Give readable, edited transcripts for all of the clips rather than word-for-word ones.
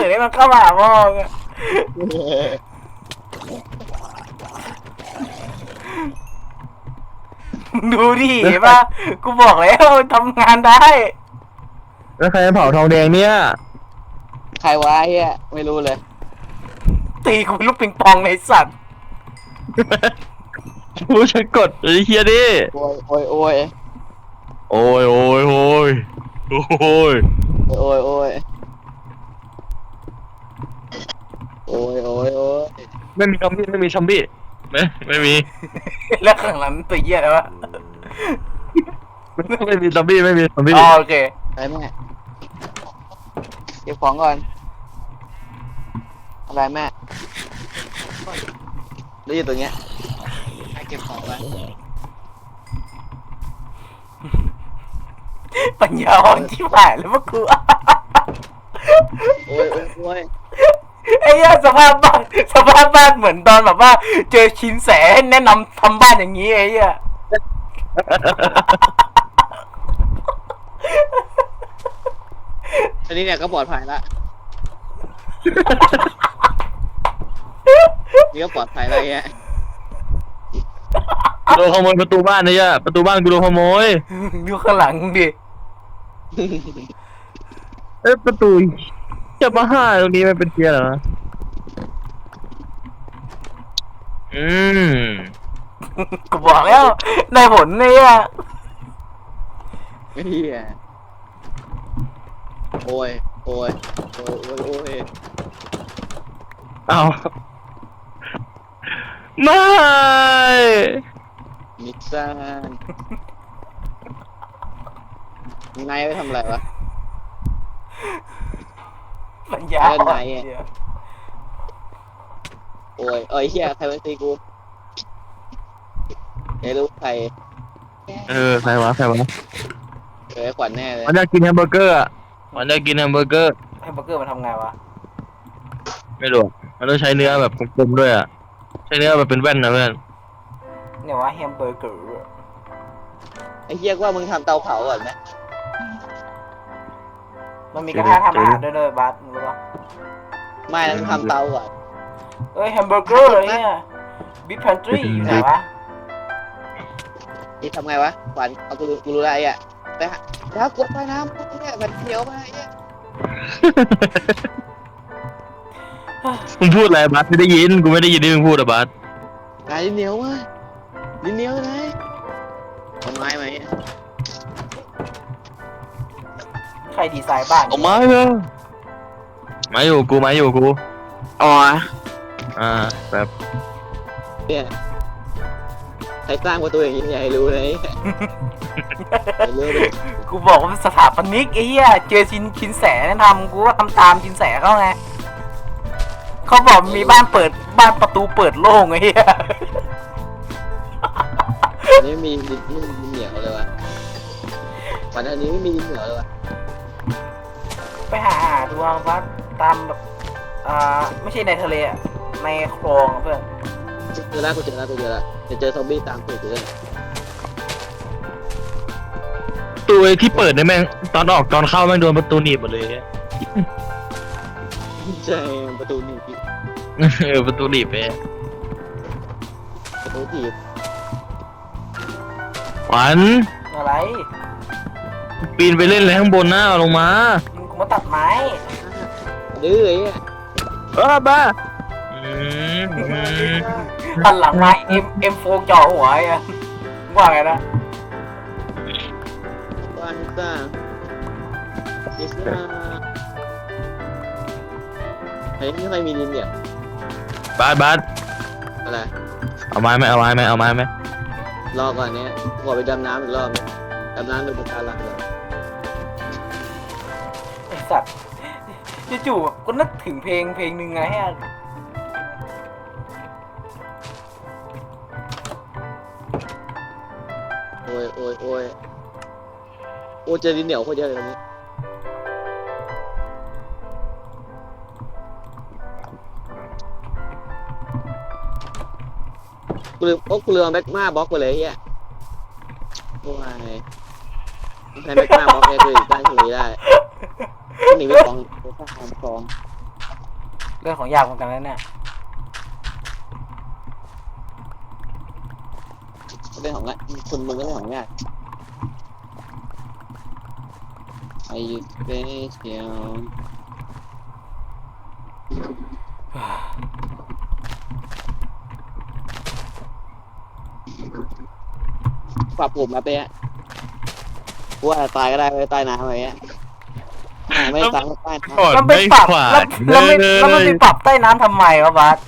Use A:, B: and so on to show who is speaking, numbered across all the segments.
A: ให้มันเข้ามาหาพ่อดูดิเห็นปะกูบอกแล้วทำงานได้
B: แล้วใครเผาทองแดงเนี่ย
C: ใครวะเฮียไม่รู้เลย
A: ตีกูเป็นลูกปิงปองในสัตว์
B: ผู้ฉันกดไอ้เฮียดิ
C: โอ้ยโอ้ยโอ้ย
B: โอ้ยโอ้ยโอ้ยโอ้ย
C: โอ้ยโอ้ยโอ้ยโอ้ยโอ้ย
B: ไม่มีซอมบี้ไม่มี
A: แล้วข้างหลังตัวเหี้ยอะไรวะ
B: ไม่มีซอมบี้
A: โอเค
C: ไปแม่เก็บของก่อนอะไรแม่ได้ยินตัวเนี้ยให้เก็บของไว้
A: ปัญญาอ่อนที่ผ่านแล้วพวกกู
C: โอ้ยโอ้ยโอ้ย
A: ไอ้เหี้ยสภาพบ้านเหมือนตอนแบบว่าเจอชินแสแนะนำทำบ้านอย่างนี้ไอ้เหี้ย
C: ทีนี้เนี่ยก็ปลอดภัยละนี่ก็ปลอดภัยแล้วเงี้ย
B: โดนขโมยประตูบ้านเนี่ยประตูบ้านกูโดนขโมย
A: ดูข้างหลังดิ
B: ประตูจะมาห้าตรงนี้มันเป็นเกียร์เหรอ
A: กูบอกแล้วได้ผลเนี่ย
C: เฮียโอ้ยโอ้ยโอ้ยโอ้ยโอ้ย
B: เอาไม่
C: มิกซานนายไปทำอะไรวะ
A: ปัญญาอ่อน
C: โอ้ยเอ้ยเฮียใครมาตีกูไม่รู้ใคร
B: ใครวะ
C: ขวัญแน่เลย
B: มันอยากกินแฮมเบอร์เกอร์มันอยากกินแฮมเบอร์เกอร์
A: มันทำไงวะ
B: ไม่รู้มันต้องใช้เนื้อแบบกลมๆด้วยอ่ะใช้เนื้อแบบเป็นแว่นนะเพื่อน
A: เนี่ยว่าแฮมเบอร์เกอร์
C: ไอ้เฮียว่ามึงทำเตาเผาก่อนไหม
A: มันมีกระทะทำอาหารด้วยบัสรู้ปะ
C: ไม่ต้องทำเตาก่อน
A: แฮมเบอร์เกอร์เลยเนี่ยบิ๊กแพนทรีอยู่ไหนวะ
C: นี่ทำไงวะขวัญเอากูรู้อะไรอ่ะไปหาแล้วกดไปน้ำเนี่ยมันเขียวมาเนี่ย
B: มึงพูดอะไรบัสไม่ได้ยินกูไม่ได้ยินที่มึงพูดอะบัส
C: นายดินเหนียววะดินเหนียวไหนเอาไม้ไหม
A: ใครดีไซน์บ้าน
B: เอาไม้เลยไม้อยู่กู
C: อ๋อ
B: แบบ
C: เนี่ยใครสร้างประตูอย่างนี้อย่าให้รู้เลย
A: กูบอกว่าสถาปนิกไอ้เหี้ยเจอชินแสทำกูก็ทำตามชินแสเขาไงเขาบอกมีบ้านประตูเปิดโล่งไอ้เหี้ย
C: นี่มีดินเหนียวเลยวะวันนี้ไม่มีดินเหนียวเลยวะ
A: ไปหาดูว่าตามแบบไม่ใช่ในทะเลอะในคลองเพื่อน
C: เจอแล้วจะเจอซอมบี้ตามตัวเลย
B: ตัวที่เปิดเนี่ยแม่งตอนออกตอนเข้าแม่งโดนประตูหนีบหมดเลย
C: ใช่ประตูหนีบ
B: ประตูหนีบไป
C: ประตูถีบ
B: ขวัญ
A: อะไร
B: ปีนไปเล่นอะไรข้างบนหน้าลงมา
A: กูมาตัดไม้
C: ดื้อไอ้
B: บ้า
A: หันหลังมาM4จ่อหัวไอ้ว่าไงนะ
C: วันซ่าดิสนาเฮ้ยไม่ค่อยมีดินเนี่ย
B: บาส
C: อะไร
B: เอาไม้ไหม
C: รอก่อนเนี้ยขอไปดำน้ำอีกรอบดำน้ำดูปะการังเลย
A: ไอ้สัตว์จู่ๆก็นึกถึงเพลงหนึ่งไงฮะ
C: โอ้เจอดินเหนียวโคตรเยอะเลยตรงนี้กูลืมแบ็กมาบล็อกไปเลยเฮียโอ้ยใช้แบ็กมาบล็อกเลยคือได้ทะเลได้หนีไปคลอง
A: เรื่องของยากเหมือนกันนะเนี่ย
C: เรื่องของง่ายคุณมึงก็เรื่องของง่ายไอ้เบสเดียวปรับผมมาเป๊ะว่าตายก็ได้ไม่ตายน้ำอะไรเงี้ยไม่ตายไม่ตายน้
B: ก่อน
A: มันไป
B: ไม่
A: ปรับ
B: ขวา
A: แล้วมันไปปรับใต้น้ำทำไมวะบาส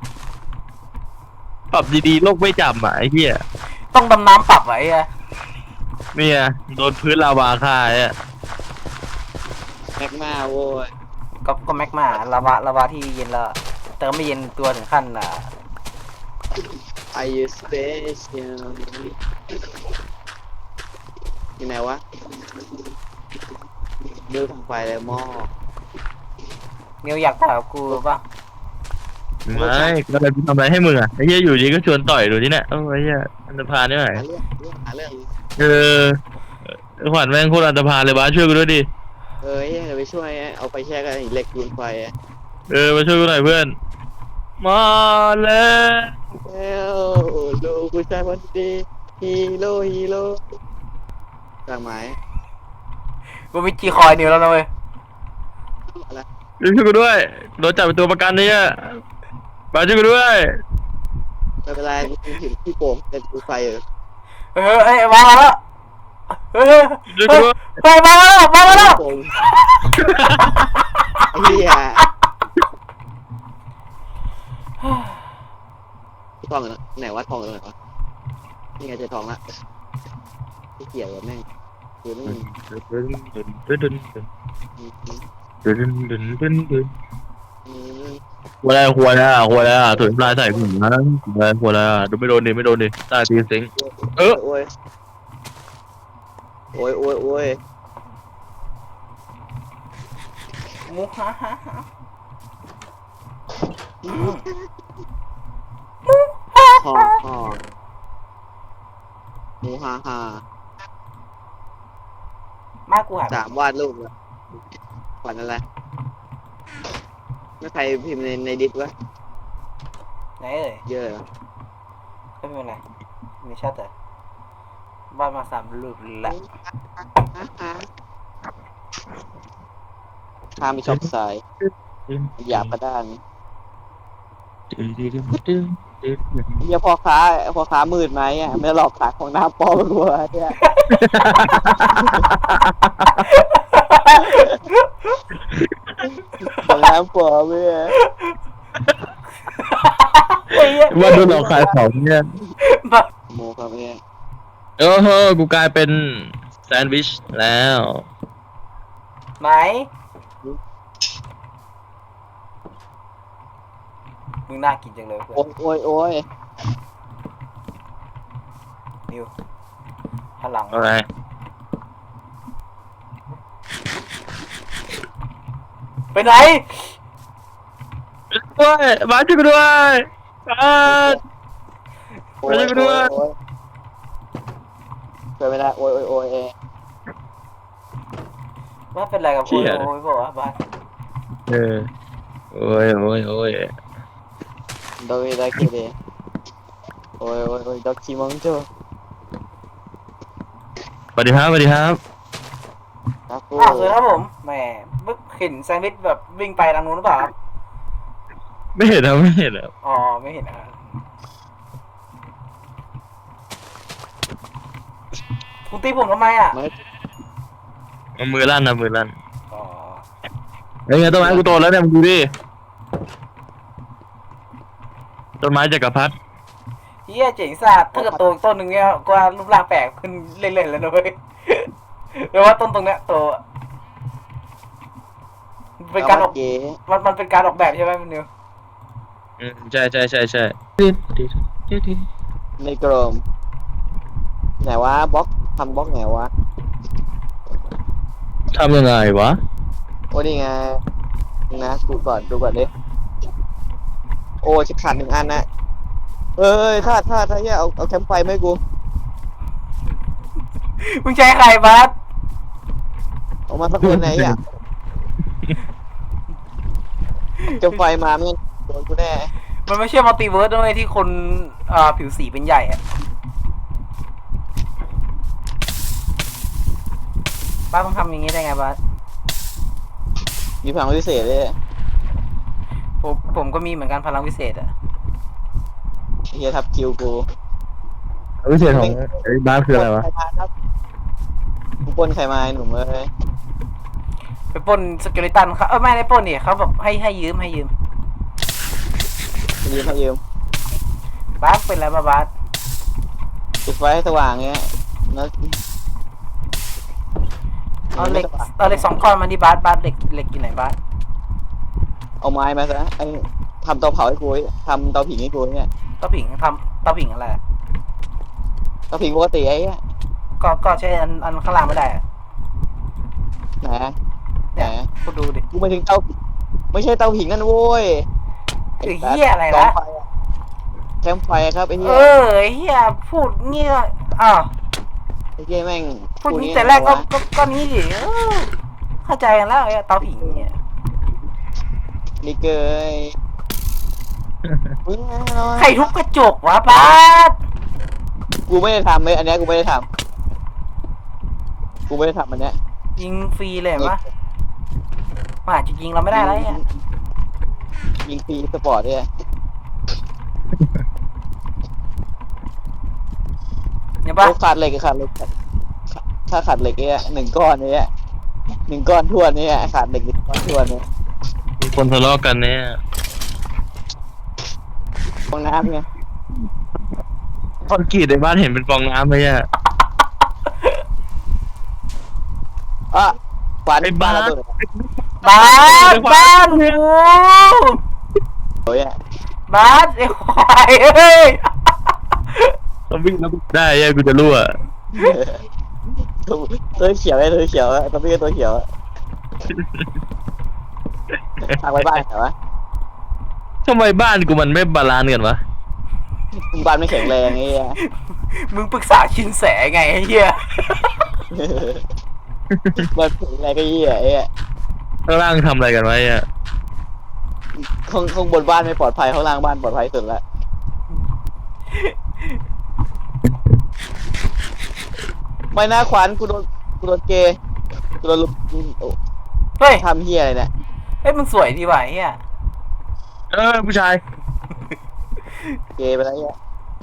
B: ปรับดีๆโลกไม่จำอ่ะไอ้เหี้ย
A: ต้องดำน้ำปรับไว้อะ
B: เนี่ยโดนพื้นลาวาฆ่าเนี่ย
C: ำแม็กมาโว้ย
A: ก็แมกมาลาวาที่เย็นแล้วแต่ก็ไม่เย็นตัวถึงขั้น
C: ไอ้สเปเชียลที่ไหนวะเดือดไฟเลยหม้อ
A: มิวอยากถามกูป่ะ
B: ไม่ก็เลยทำอะไรให้มึงอ่ะไอ้เหี้ยอยู่ดีก็ชวนต่อยดูที่เนี่ยโอ้ยไอ้เหี้ยอันธพาลนี่ไหน
C: หาเรื่อง
B: เออขวัญแม่งโคตรอันธพาลเลยบ้าสช่วยกูด้วยดิ
C: เอ้ยไปช่วยเอาไปแช่กันเหล็กดูดไฟ
B: มาช่วยกูหน่อยเพื่อนมาแล้ว
C: เอ้าลูกผู้ชายคนดีฮีโร่จากไหม
A: กูมีจีคอยนิวแล้วนะเว้ย
C: อะไร
B: ช่วยกูด้วยโดนจับเป็นตัวประกันเนี่ยบ้าสช่วยกูด้วย
C: ไม่เป็นไรถึงที่โป่งจะดูไฟ
A: เอ้ยวางมาแล้วเฮ้ย
B: ช่วยกูด้วย
A: เฮ้ยวางมาแล้ว
C: โป่งเฮียทองไหนวะทองไหนวะนี่ไงเจอทองละที่เกี่ยวกับแม่งคือนี่
B: หัวแล้วถุยปลายใส่ผมนะหัวแล้วดูไม่โดนดิตาตีสิง
C: โอ้ย
A: มุฮ่าฮ่าฮ่า
C: ทองหมูฮา
A: มากูหา
C: 3วาดรูปแล้วฝันอะไรไม่ใครพิมพ์ในดิสวะ
A: ไหนเอ่ย
C: เยอะ
A: ก็ไม่เป็นไรไม่ชัดแต่บ้านมา3 รูปละ
C: ข้ามีชอบสายหยาบกระด้างเฮียพ่อค้ามืดไหมอ่ะไม่หลอกขายของน้ำปลอมกูเนี่ยของน้ำปลอมเนี่ย
B: ว่าโดนหลอกขายของเนี่ย
C: โมครับเนี่ย
B: โอ้โหกูกลายเป็นแซนด์วิชแล้ว
A: ไหนมึงน่ากินจังเลยเพื่อน
C: โอ้ย
A: นิวหันหลัง
B: อะไร
A: ไปไหน
B: ด้วยมาช่วยกูด้วยช่วย
C: ไม่ได้โอ้ย
A: ว่าเป็นไรกับโอ้ยบอกว่าบ้าน
B: โอ้ย
C: โดยได้กี่เดย์โอ้ยดอกคิมองโจ
B: สวัสดีครับ
C: ครับกู
A: สวัสดีครับผมแหมเห็นแซนด์วิชแบบวิ่งไปทางนู้นหรือเปล่า
B: ไม่เห็นแล้ว
A: อ๋อไม่เห็นนะคุณตีผมทำไมอ่ะ
B: มือลั่น
A: อ๋อ
B: เฮ้ยต้นไม้กูโตแล้วเนี่ยมึงดูดิต้นไม้จักรพรรดิ
A: เฮียเจ๋งสัตว์ถ้าเกิดโตต้นหนึ่งเนี้ยก็รูปร่างแปลกขึ้นเล่นๆแล้วนะเว้ยแปลว่าต้นตรงเนี้ยโตเป็นการออกมันเป็นการออกแบบใช่ไหมมันนิว
B: ใช่
C: ในกรมไหนวะบล็อกทำบล็อกไหนวะ
B: ทำยังไงวะ
C: โอ้นี่ไงนะดูก่อนดิโอ้จะขาด1 อันนะเอ้ยถ้าเฮียเอาแคมป์ไฟไหมกู
A: มึงใช้ใครบัส
C: ออกมาสักคนไหนอ่ะแคมป์ไฟมาไม่งั้นโดนกูแน่
A: มันไม่ใช่มัลติเวิร์สด้วยที่คนผิวสีเป็นใหญ่อะบ้าต้องทำอย่างนี้ได้ไงบ้า
C: มีพลังพิเศษเลย
A: ผมก็มีเหมือนกันพลังวิเศษอะ
C: เฮียทับคิวกู
B: วิเศษของไอ้บ้านคืออะไรวะ
C: ใครมาครับกูปล้นใครมาไอ้หนุ่มเอ้ย
A: ไปปล้นสเกลิตันเขาไม่ได้ปล้นนี่เขาแบบให้ยืม
C: ยืมให้ยืม
A: บาสเป็นไรบ้าบาส
C: จุดไฟให้สว่างเงี้ยแล้ว
A: เอาเหล็ก2 ก้อนมาดิบาสเหล็กอยู่ไหนบาส
C: เอาไม้มาซะไอ้ทำเตาเผาให้กูทำเตาผิงให้กูเนี่ย
A: เตาผิงเตาผิงอะไรอะ
C: เตาผิงปกติไอ้เนี่ย
A: ก็ใช้อันข้างล่างไม่ได้อะ
C: ไหนไหน
A: เนี่ยกูดูดิ
C: กูไม่ถึงเตาไม่ใช่เตาผิงนั่นโว้ย
A: ไอ้เหี้ยอะไร
C: กอง
A: นะ
C: ไฟอะแคมป์ไฟครับไอ้เหี้
A: เอย ไอ้เหี้ยพูดเงี้ยอ้าว
C: ไอ้เหี้ยแม่ง
A: พูดนี้แต่แรกก็นี้ดิเข้าใจกันแล้วไอ้เตาผิงเนี่ย
C: นี่เกยอุ๊ย
A: ใครทุบกระจกวะบาส
C: กูไม่ได้ทำเลยอันเนี้ยกูไม่ได้ทำอันเนี้ย
A: ยิงฟรีเลยเห็นปะมันอาจจะยิงเราไม่ได้แล้วเนี่ย
C: ยิงฟรีสปอร์ตเนี่ย
A: เห็นปะ
C: โอ้ขาดเหล็กถ้าขาดเหล็กเนี่ย1 ก้อนเนี่ย1 ก้อนทวนเนี่ยขาดเหล็ก1 ก้อนทวนเนี่ย
B: มีคนทะเลาะกันเนี่ย
C: ฟองน้ำไง
B: คอนกรีตในบ้านเห็นเป็นฟองน้ำไหมอ่ะ
C: อ่ะขวาน
B: ไอ้
C: บ้า
B: บ้าน
C: ระเบิด
A: บ้านกู
C: โอ้ยอะ
A: บ้านไอ้ควายเอ้ย
B: ต้องวิ่งแล้วได้ยังกูจะรั่ว
C: ตัวเขียวไอ้ตัวเขียวอะตัวพี่ก็ตัวเขียวอะทางไปบ้านเหรอวะ
B: ทำไมบ้านกูมันไม่บาลานซ์กันวะ
C: บ้านไม่แข็งแรงไอ้เหี้ย
A: มึงปรึกษาชินแสไงไอ้เหี้ย
C: บ้านแข็งแรงก็เหี้ยไอ้เหี้ย
B: ข้างล่างทำอะไรกันไว้อ่ะ
C: ข้างบนบ้านไม่ปลอดภัยข้างล่างบ้านปลอดภัยสุดละไม่น่าขวานกูโดนเกย์กูโดนลุกโอ้
A: เฮ้ย
C: ทำเหี้ยอะไรเนี่ย
A: เฮ้ยมึงสวยดีว่ะไอ้เหี้ย
B: ผู้ชาย
C: เกย์ไปแล้วเนี่ย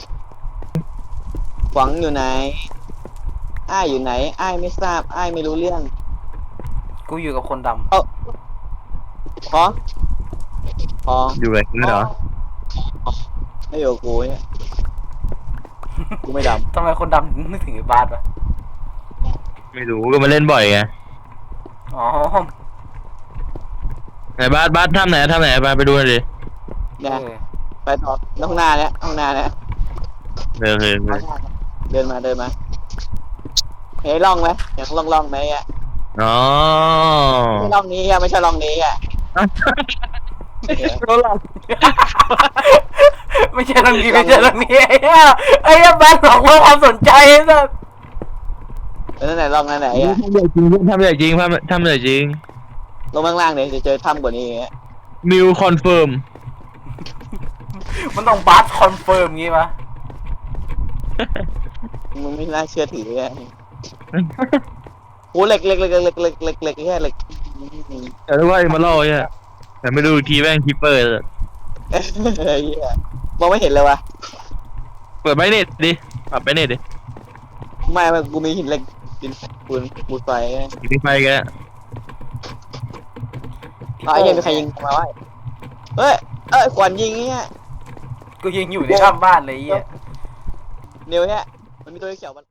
C: หวังอยู่ไหนอ้ายอยู่ไหนอ้ายไม่ทราบอ้ายไม่รู้เรื่อง
A: กูอยู่กับคนด
C: ขอขอ
B: อยู่แบบนี้เหรอ
C: ไม่อยู่กับกูเนี่ยกูไม่ด
A: ำทำไมคนดำถึงนึกถึงไอ้บาสวะ
B: ไม่รู้ก็มาเล่นบ่อยไง
A: อ๋อ
B: ไหนบ้านทำไหนไปดูหน่อยดิ
C: ำเนี่ยไปต่อห้องหน้าเนี่ย
B: เดิน
C: เดินมาเฮ้ยร่องไหมอยากร่องไหมอ่ะ
B: อ๋อ
C: ไม่ร่องนี้อ่ะไม่ใช่ร่องนี้อ่ะ
B: เขาหลับ
A: ไม่ใช่ตรงนี้ไอ้เหี้ยไอ้เหี้ยบาสหลอกว่าความสนใจไอ้สัส
C: นั่นไหนร่องนั่นไหนอ่ะ
B: ทำใหญ่จริง
C: ลงข้างล่างเนี่ยจะเจอถ้ำกว่านี้อ่ะ
B: นิวคอนเฟิร์ม
A: มันต้องบาสคอนเฟิร์มงี้ปะ
C: มึงไม่น่าเชื่อถืออ่ะโหเหล็กแค่เหล็ก
B: แต่ว่ามาล่อเนี่ยแต่ไม่ดูอีกทีแม่งคิปเปอร์
C: เฮ้ยมองไม่เห็นเลยวะ
B: เปิดไบเน็ตดิปรับไบเน็ตดิ
C: ไม่กูมีหินเหล็กหินปูนไฟ
B: ยิงไฟแก
C: ไอ้ยังมีใครยิงมาวะเฮ้ยขวัญยิงเนี่ย
A: กูยิงอยู่ในถ้ำบ้านเลยไอ้เหี้ย
C: เนียวเนี่ยมันมีตัวเขียวมัน